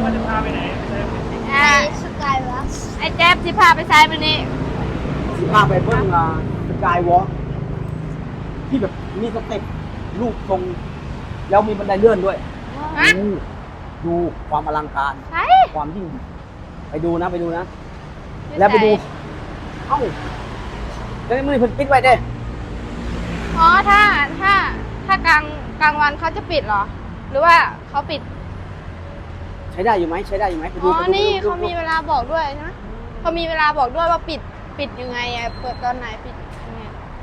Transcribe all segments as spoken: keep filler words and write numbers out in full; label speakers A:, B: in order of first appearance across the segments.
A: ว่าจะพาไปไหนไป
B: สกายวอล์ก
C: ไอ้แจ๊บที่พาไปใช้มันนี่
D: สิพาไปเบิ้งสกายวอล์กที่แบบมีสเต็ปลูกทรงแล้วมีบันไดเลื่อนด้วย
C: ฮะ
D: ดูดูความอลังการ
C: ใช่
D: ความยิ่งไปดูนะไปดูนะ แล้วไปดูเอ้าแล้วมือเพิ่นปิดไว้เด้
C: อ๋อถ้าถ้าถ้ากลางกลางวันเขาจะปิดเหรอ หรือว่าเขาปิด
D: ใช้ได้อยู่ไหมใช้ได้อยู่ไหมไปดู
C: อ๋อ
D: ไปดู
C: นี่
D: ดู
C: เขามีเวลาบอกด้วยใช่ไหมเขามีเวลาบอกด้วยว่าปิดปิดยังไงอะเปิดตอนไหนปิดยังไง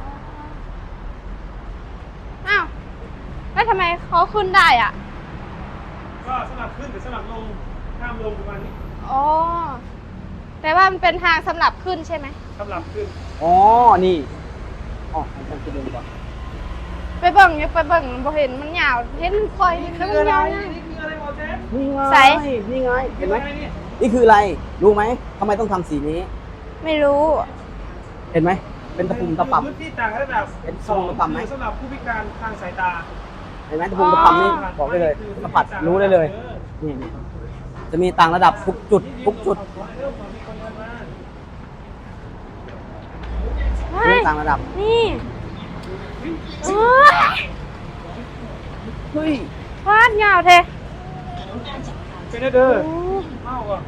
C: อ้าวแล้วทำไมเขาขึ้นได้อ่ะ
A: ก็สลับขึ้นแต่สลับลงห้ามลงประมาณนี้
C: อ๋อแต่ว่ามันเป็นทางสำหรับขึ้นใช่ไหม
A: สลับขึ้น
D: อ๋อนี่อ๋อผมต้องไปดูก่อน
C: ไปเบิ่งเนี่ยไปเบิ่งบ่เห็นมันยาวเห็นมันคอย
A: นี่
C: มัน
A: คืออะไร
C: ยาว
A: นี่
C: นะ
A: คืออะไรหมอเจ๊
D: นี่ไง
C: ใส่
D: นี่ไงเห็นไหม
A: นี่
D: นี่คืออะไรรู้ไหมทำไมต้องทำสีนี้
C: ไม่รู้
D: เห็นไหมเป็นตะปุ่มตะป่ำ
A: พื้นที่ต่างระดับ
D: เป็นทรงระดับไหม
A: สำหรับผู้พิการทางสายตา
D: เห็นไหมตะปุ่มตะป่ำนี่บอกได้เลยสัมผัสรู้ได้เลยนี่นี่จะมีต่างระดับทุกจุดทุกจุด
C: เฮ้
D: มี
C: ย
D: ต่างระดับ
C: นี่เอ้ย
D: เฮ้ย
C: ฟาดยาวเท
A: เป็นเด้อ
C: โอ้
A: เมาอ่ะ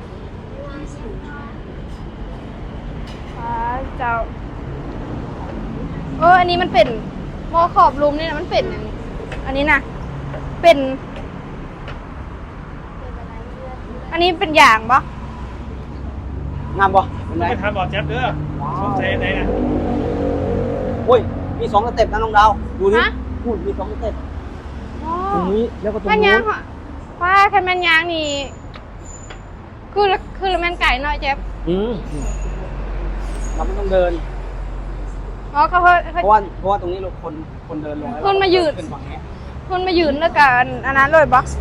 C: ฟาดเจ้าเอออันนี้มันเป็นมอขอบลุมนี่นะมันเป็นอย่างนี้อันนี้นะเป็น อันนี้เป็นอย่างปะ
D: งามบ่เป็น
A: ต้
D: ไง
A: องไปถามหมอแจ๊บเด้อสงสัยไหนน่ะ
D: โอ้ยมีสองสเต็ปนะน้องดาวดูนี่
C: ฮะ
D: พูดมีสองสเต็ป
C: อ๋อ
D: ตรงนี้แล้วก็ตรง
C: ถ้า
D: นู้
C: ยาง
D: น
C: เหรอว่าแค่แมนยางนี่คือคือแมนไก่หน่อยเจ็บ
D: อืมเราไม่ต้องเดิน
C: อ๋อเขาเขา
D: เพราะว่าเพราะว่าตรงนี้เราคนคนเดินลงแล้ว
C: คนมายืน
D: เป็นฝั่งนี้
C: คุณมายืนแล้วกันอันนั้นเลยบอก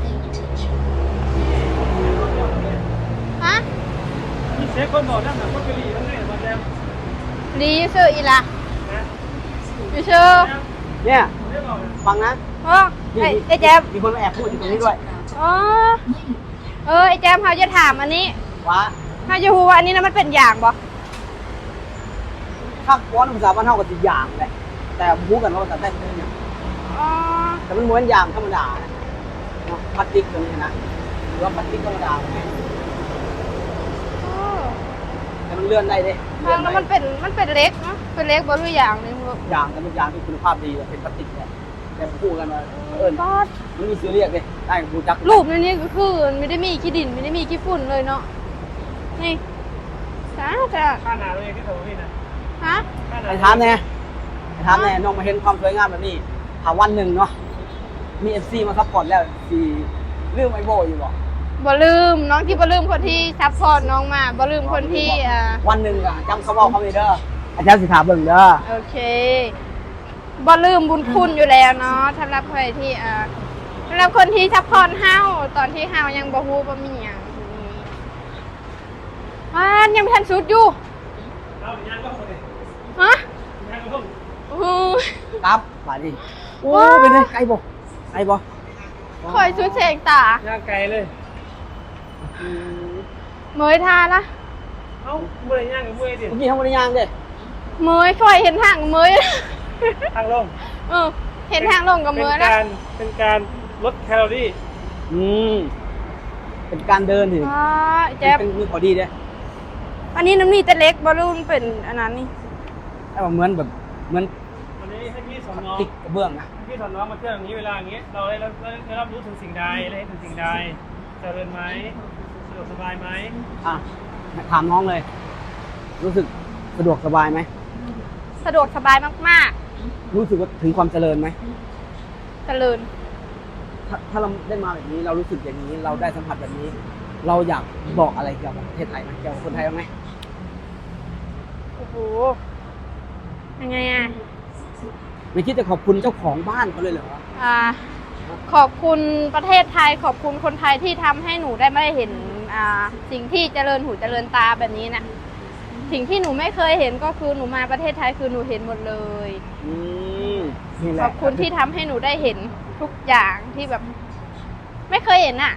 C: ฮะ
A: มีเซ็กคนบอกนั่นน่ะคนกะหรี่นั่นไงหมอแจ๊บ
C: ดีชื่ออีละ
A: นะ
C: อยู่ชื่อ
D: เนี่ย
A: ได้บอกนะ
D: ฟังนะ
C: อ๋อไอ้ไอ้แจ๊บ
D: มีคนมาแอบพูดอยู่ตรงนี้ด้วย
C: อ๋อเออไอ้แจ๊บเขาจะถามอันนี้
D: ว่า
C: เขาจะพูดว่าอันนี้นะมันเป็นอย่างบ่
D: ถ้าว้อนภาษาบ้านเท่ากับสิอย่างแหละแต่พูดกันว่าภาษาใต้เป็นอย่าง
C: อ๋อ
D: แต่มันเหมือนอย่างธรรมดานะเนาะพลาสติกตรงนี้นะหรือว่าพลาสติกธรรมดาไง
C: เออ
D: แต่มันเลื่อนได้เด้
C: ทางแล้วมันเป็นมันเป็นเล็กเนาะเป็นเล็กบ่รู้อย่างนึงบ่
D: อย่างแต่เป็นอย่างที่คุณภาพดีเลยเป็นพลาสติกแหละแต่พูดกันว่าเอิญ
C: ก็
D: มันมีชื่อเรียกเลยได้กับบูจัก
C: รูปในนี้ก็คือไม่ได้มีขี้ดินไม่ได้มีขี้ฝุ่นเลยเนาะนี่จ้าจ้า
A: ค่าหนาตัวเองที่เถอะพี่นะ
C: ฮะ
A: ค่าหนา
D: ไอ้ถามแน่ไอ้ถามแน่น้องมาเห็นความสวยงามแบบนี้ถามวันหนึ่งเนาะมีเอฟซีมาซัพพอร์ตแล้วสีเรื่องไอโบอยู่บ่
C: บ่ลืมน้องที่บ่ลืมคนที่ซัพพอร์ตน้องมาบ่ลืมคนที่อ่า
D: วันหนึ่งอะจำเขาบอกเขาเลยเด้ออาจารย์สิถามเบิ่งเด้อ
C: โอเคบ่ลืมบุญคุณอยู่แล้วเนาะสำหรับใครที่อ่าสำหรับคนที่ซัพพอร์ตเฮาตอนที่เฮายังบ่ฮู้บ่มีหยังอ่ายังไม่ทันสุดอยู่
A: เอาย่างก็คนเลย
C: ฮะ
A: ย่างก็ต้อง
C: โอ้โห
D: ครับมาดิโอ้
C: ว้าว
D: เป็นไงไกลบ่ไกลบ่
C: คอยสุดเสงตา
A: ย่างไกลเลย
D: อืม
C: เมยทาละ
A: เอ้าเมื่อยย่างกับเมื่อยดิ
D: เมื่อกี้ทำบริยางเด้
C: เมยคอยเห็นทางเมย
A: ทางลง
C: เออเห็นทางลงกับเมย
A: เป็น
C: นะ
A: การเป็นการลดแคลอรี่
D: อืมเป็นการเดินถึง
C: อ่าแจ๊บ
D: เป็นมีขอดีเด้
C: อันนี้น้ำนี่แต่เล็กบอลลูนเป็นอันนั้นนี่
D: แต่ว่าเหมือนแบบเหมือน
A: วันนี้ให้พี่สอนน้อง
D: ติ๊กกระเบื้องนะ
A: พี่สอนน้องมาเที่ยวอย่างนี้เวลาอย่างนี้เราได้รับได้รับรู้ถึงสิ่งใดได้เห็นถึงสิ่งใดเจริญไหมสะดวกสบายไหม
D: อ่ะถามน้องเลย รู้สึกสะดวกสบายไหม
C: สะดวกสบายมาก
D: รู้สึกว่าถึงความเจริญไหม
C: ๆเจริญ
D: ถ้าถ้าเราได้มาแบบนี้เรารู้สึกอย่างนี้ เราได้สัมผัสแบบนี้ เราอยากบอกอะไรเกี่ยวกับประเทศไทยไหมเกี่ยวกับคนไทยบ้างไหม
C: โอ้โหยังไงอ่ะ
D: ไม่คิดจะขอบคุณเจ้าของบ้านเขาเลยเหรอ
C: อ่าขอบคุณประเทศไทยขอบคุณคนไทยที่ทำให้หนูได้ไม่ได้เห็นอ่าสิ่งที่เจริญหูเจริญตาแบบนี้นะสิ่งที่หนูไม่เคยเห็นก็คือหนูมาประเทศไทยคือหนูเห็นหมดเลย
D: อืมนี่แห
C: ข
D: ละ
C: อบคุณที่ทำให้หนูได้เห็นทุกอย่างที่แบบ ไม่เคยเห็นอ่ะ เอ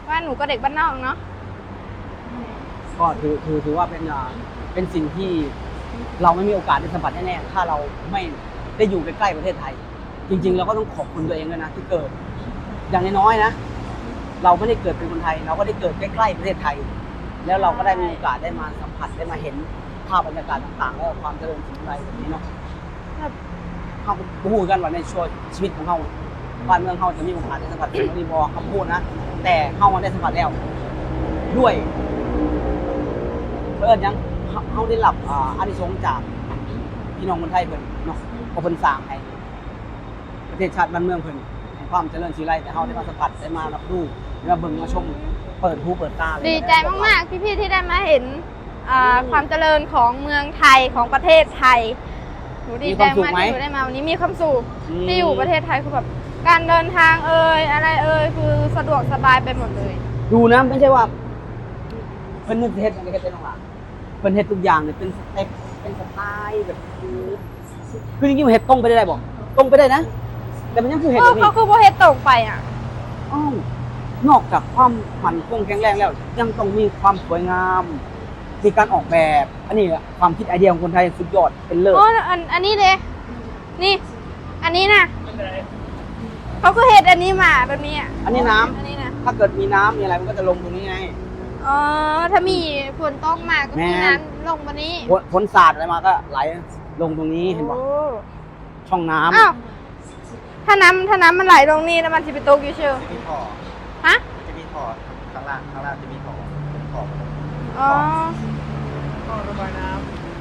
C: ว่าหนูก็เด็กบ้านนอกเนาะ
D: ก็ถือถือถือว่าเป็นอ่าเป็นสิ่งที่เราไม่มีโอกาสได้สัมผัสแน่ๆถ้าเราไม่ได้อยู่ใกล้ๆประเทศไทย จริงๆเราก็ต้องขอบคุณตัวเองด้วยนะที่เกิด อย่างน้อยๆนะ เราไม่ได้เกิดเป็นคนไทย เราก็ได้เกิดใกล้ๆประเทศไทย แล้วเราก็ได้มีโอกาสได้มาสัมผัสได้มาเห็นภาพบรรยากาศต่างๆ แล้วความเจริญสิ่งใดแบบนี้เนาะ
C: ครับ
D: เขาพูดกันว่าในช่วงชีวิตของเขาบ้านเมืองเขาจะมีโอกาสได้สัมผัสสิ่งที่บอกเขาพูดนะ แต่เขาได้สัมผัสแล้ว ด้วยเพื่อนยังเขาเขาได้รับอ่าอานิสงส์จากพี่น้องคนไทยเพิ่นเนาะเพราะเพิ่นสร้างให้ประเทศชาติบ้านเมืองเพิ่นให้ความเจริญสีไรแต่เขาได้มาสัมผัสได้มารับรู้ได้มาเบิ่งมาชมเปิดหูเปิดตาเลย
C: ดีใจมากๆพี่ๆที่ได้มาเห็นอ่าความเจริญของเมืองไทยของประเทศไทยหนูดีใจมากที่หนูได้มาวันนี้มีความสุขที่อยู่ประเทศไทยคือแบบการเดินทางเอ่ยอะไรเอ่ยคือสะดวกสบายไปหมดเลย
D: ดูนะไม่ใช่ว่าเพิ่นนึกเฮ็ดอย่างนี้เฮ็ดได้น้องหล่ะเพิ่นเฮ็ดทุกอย่างเนี่ยเป็นสเต็ปเป็นสไตล์แบบคือจริงๆมันเฮ็ดตรงไปได้บ่ตรงไปได้นะ แต่มันยังคือเฮ็ด
C: เอ
D: แบ
C: อบ
D: นี้
C: เขาคือโบเฮ็ดตรงไปอ่ะ
D: อ้าวนอกจากความมั่นคงแข็งแรงแล้ว ยังต้องมีความสวยงามมีการออกแบบ อันนี้อะความคิดไอเดียของคนไทยสุดยอดเป็นเลิศ
C: โอ้อันอันนี้เลยนี่ อันนี้นะ
A: ไม่เป็นไร
C: เขาก็เฮ็ดอันนี้มาแบบนี้อ่ะ
D: อันนี้น้ำ
C: อันนี้นะ
D: ถ้าเกิดมีน้ำมีอะไรมันก็จะลงตรงนี้ไง
C: อ๋อถ้ามีฝนตกมาก็มี
D: แม่
C: น้ำลงมานี้
D: ฝนฝนสาดอะไรมาก็ไหลลงตรงนี้เห็นป่ะ
C: โอ้
D: ช่องน้ำ
C: อ้าวถ้าน้ำถ้าน้ำมันไหลลงนี่แล้วมันจะไปตกอยู่เชียว
B: จะมีท่อ
C: ฮะ
B: จะมีท่อข้างล่างข้างล่างจะมีท่อเป็นท่อ
C: อ๋อ
A: ท่อระบายน้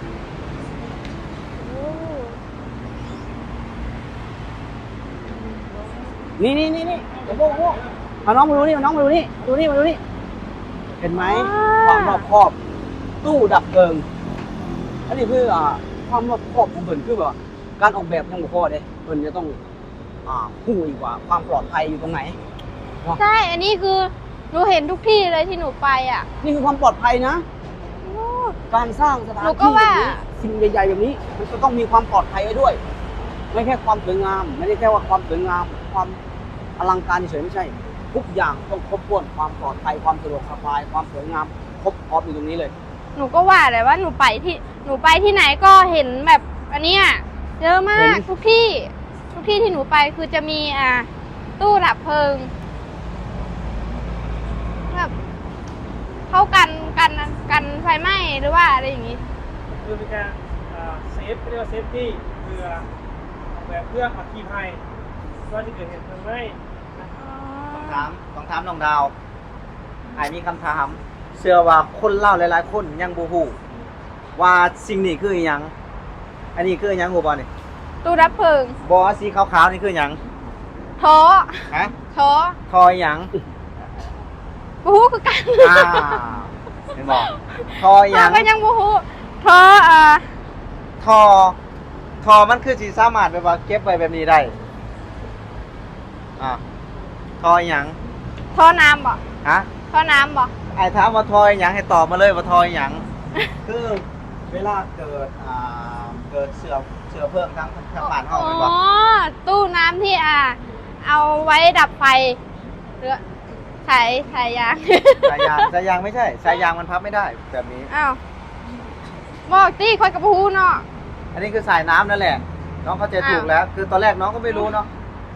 C: โอ้
D: นี่นี่นี่นี่เดี๋ยวโบ้โบ้เอาน้องมาดูนี่เอาน้องมาดูนี่ดูนี่มาดูนี่เห็นไหมความรอบคอบ ตู้ดับเพลิง อันนี้คืออ่าความรอบคอบของเพิ่นคือแบบว่าการออกแบบยังบ่พอเด้เพิ่นจะต้องอ่าผู้อีกว่าความปลอดภัยอยู่ตรงไหน
C: ใช่ อันนี้คือหนูเห็นทุกที่เลยที่หนูไปอ่ะ
D: นี่คือความปลอดภัยนะ
C: โอ้
D: การสร้างสถาน
C: หนูก็
D: ที่แบ
C: ว่า
D: บนี้สิ่งใหญ่ๆแบบนี้ มันจะต้องมีความปลอดภัยไว้ด้วย ไม่แค่ความสวยงาม ไม่ได้แค่ว่าความสวยงาม ความอลังการเฉยๆไม่ใช่ ทุกอย่างต้องครบถ้วนความปลอดภัยความสะดวกสบายความสวยงามครบพร้อมอยู่ตรงนี้เลย
C: หนูก็ว่าแต่ว่าหนูไปที่หนูไปที่ไหนก็เห็นแบบอันเนี้ยเยอะมาก
D: เห็น
C: ทุกที่ ทุกที่ที่หนูไปคือจะมีอ่าตู้ดับเพลิงแบบเข้ากันกันกันไฟไหม้หรือว่าอะไรอย่างงี้
A: ำคือเป็นการอ่าเซฟเรียกว่าเซฟตี้เพื่อออกแบบเพื่ออัคคีภัยว่าที่เกิดเหตุเพลิงไหม้นะ
B: ต้องถามต้องถามน้องดาวไอ้มีคำถามเชื่อว่าคนเล่าหลายๆคนยังบูฮูว่าสิ่งนี้คืออหยังอันนี้คืออหยังหูบอลนี่
C: ตู้ดับเพลิง
B: บอสีขาวๆนี่คืออหยัง
C: ท้อ
B: ฮะ
C: ท้อ
B: ทอยหยัง
C: บูฮูคือกัน
B: อ่าเห็นบอกทอยห
C: ท้อ
B: ยัง
C: ก็ยังบูฮูท้ออ่า
B: ทอทอมันคือสีสามารถแบบว่าเก็บไว้แบบนี้ได้อ่าทอยหยัง
C: ท้อน้ำบ่
B: ฮะ
C: ท้อน้ำบ่
B: ไอ้ถามว่าทอยหยังให้ตอบมาเลยว่าทอยหยัง
D: คือเวลาเกิด
B: อ่าเกิดเสือเสือเพิ่มทั้งทั้งบ้านเฮา
C: อ๋
B: เป็นบ่
C: อตู้น้ำที่อ่า เอาไว้ดับไฟหรือสายสายยาง
B: สายยางสายยางไม่ใช่สายยางมันพับไม่ได้แบบนี้
C: อ้าวบอกตี้คอยกับพูเนาะ
B: อันนี้คือสายน้ำนั่นแหละ น้องเข้าใจถูก
C: อ้าว
B: แล้ว คือตอนแรกน้องก็ไม่รู้เนาะ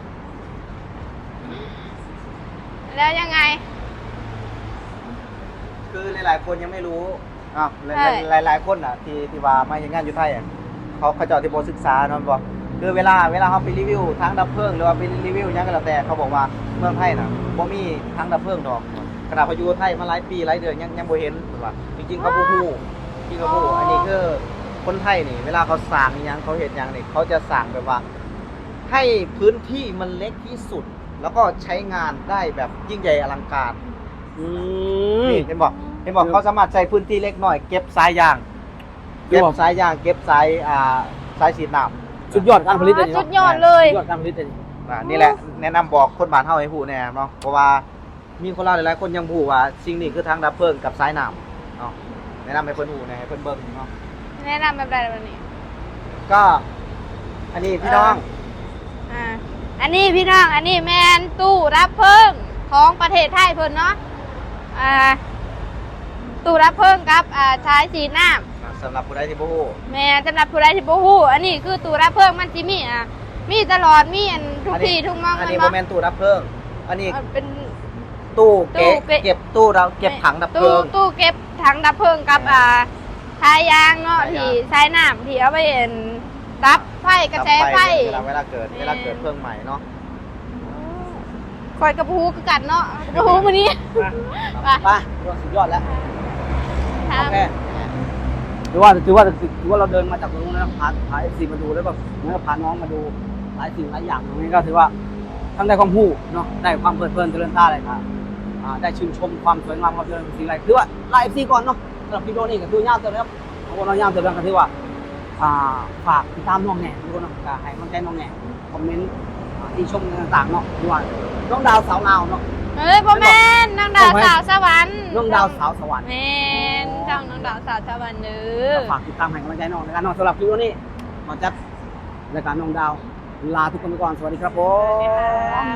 C: แล้วยังไง
B: คือหลายๆคนยังไม่รู้อ้าวหลาย
C: ใช่
B: หลายหลายๆคนอ่ะที่ที่ว่ามาอย่างงานอยู่ไทยอ่ะเขาเขาเจะที่โบศึกษาเนาะบอกคือเวลาเวลาเขาไปรีวิวทั้งดับเพลิงหรือว่าไปรีวิวหยังก็แล้วแต่เขาบอกว่าเมืองไทยน่ะบ่มีทั้งดับเพลิงดอกขนาดเขาอยู่ไทยมาหลายปีหลายเดือนยังยังบ่เห็นว่าจริงๆเขาบ่ฮู้จริงๆเขาบ่ฮู้อันนี้คือคนไทยนี่ เวลาเขาสร้างอิหยังเขาเฮ็ดหยังนี่เขาจะสร้างแบบว่า ให้พื้นที่มันเล็กที่สุด แล้วก็ใช้งานได้แบบยิ่งใหญ่อลังการ
D: อืม
B: นี่เห็นบอกเห็นบอกเขาสามารถใช้พื้นที่เล็กหน่อย เก็บสายยาง
D: คือ
B: เก็บ
D: บอก
B: สายยาง เก็บสายอ่าสายสีดน้ำ
D: สุดยอดการผลิตเลย
C: สุดยอดเลย
D: สุดยอดการผลิตเลย
B: อ่านี่แหละแนะนำบอกคนบ้านเฮาให้ผู้แน่เนาะเพราะว่ามีคนเล่าหลายๆคนยังผู้ว่าสิ่งนี้คือทางดับเพลิงกับสายน้ำเนาะแนะนำให้เพิ่นผู้แน่ให้เพิ่นเบิ่งเนาะ
C: แนะนำแบบใดแบบนี้
B: ก็ อันนี้พี่น้อง
C: อ่า อันนี้พี่น้อง อันนี้แมนตู้รับเพลิงของประเทศไทยเพิ่นเนาะอ่าตู้รับเพิ่งกับอ่าใช้สีน้
B: สำหรับผู้ใดที่บ่ฮู้
C: ำแม่สำหรับผู้ใดที่บ่ฮู้อันนี้คือตู้รับเพิ่งมันสิมีอ่ะมีตลอดมีอันทุกที่ทุกมอง
B: อัน
C: กัน
B: นี้บ่
C: เนาะ
B: แม่นตู้ดับเพลิงอันนี้
C: เอ่อเป็น
B: ตู้
C: ตู้
B: เก็บ
C: เก็บ
B: เก็บตู้เราเก็บถังดับเพลิง
C: ตู้ตู้เก็บถังดับเพลิงกับอ่าทายยางเนาะ
B: ทายยาง
C: ที่ใช้น้ำที่เอาไปเอ็นรับไฟกระแสไฟ
B: เวลาเวลาเกิด
C: แม่
B: เวลาเกิดเพลิงใหม่เนาะ
C: คอยกระพูคือกันเนาะกระพูมื้อนี้ไป
D: ไปถือว่าสุดยอดแล้ว
C: ท
D: โอเคถือว่าถือว่าถือว่าเราเดินมาจากตรงนู้นแล้วพาพาเอฟซีมาดูแล้วแบบเหมือนกับพาน้องมาดูหลายสิ่งหลายอย่างตรงนี้ก็ถือว่าทั้งได้ความรู้เนาะได้ความเพลิดเพลินเจริญตาเลยครับอ่าได้ชื่นชมความสวยงามความเจริญสิ่งอะไรถือว่าไลฟ์เอฟซีก่อนเนาะสำหรับพี่โดนี่ก็คือยาวเติมแล้วของเรายาวเติมแล้วก็ถือว่าอ่าฝากติดตามน้องแหน่ทุกคนเนาะก็ให้กำลังใจน้องแหน่คอมเมนต์อ่าที่ชมต่างๆเนาะถือว่าน้องดาวสาวลาวเนาะ
C: ำเอ้ยพ่อแม่นน้องดาวสาวสวรรค์
D: น้องดาวสาวสวรรค์
C: แม่นจ้องน้องดาวสาวสวรรค์เด้อ
D: ฝากติดตามให้กำลังใจน้องในการน้องสำหรับคลิปนี้ขอจัดรายการน้องดาวลาทุกคนไปก่อนสวัสดีครับผม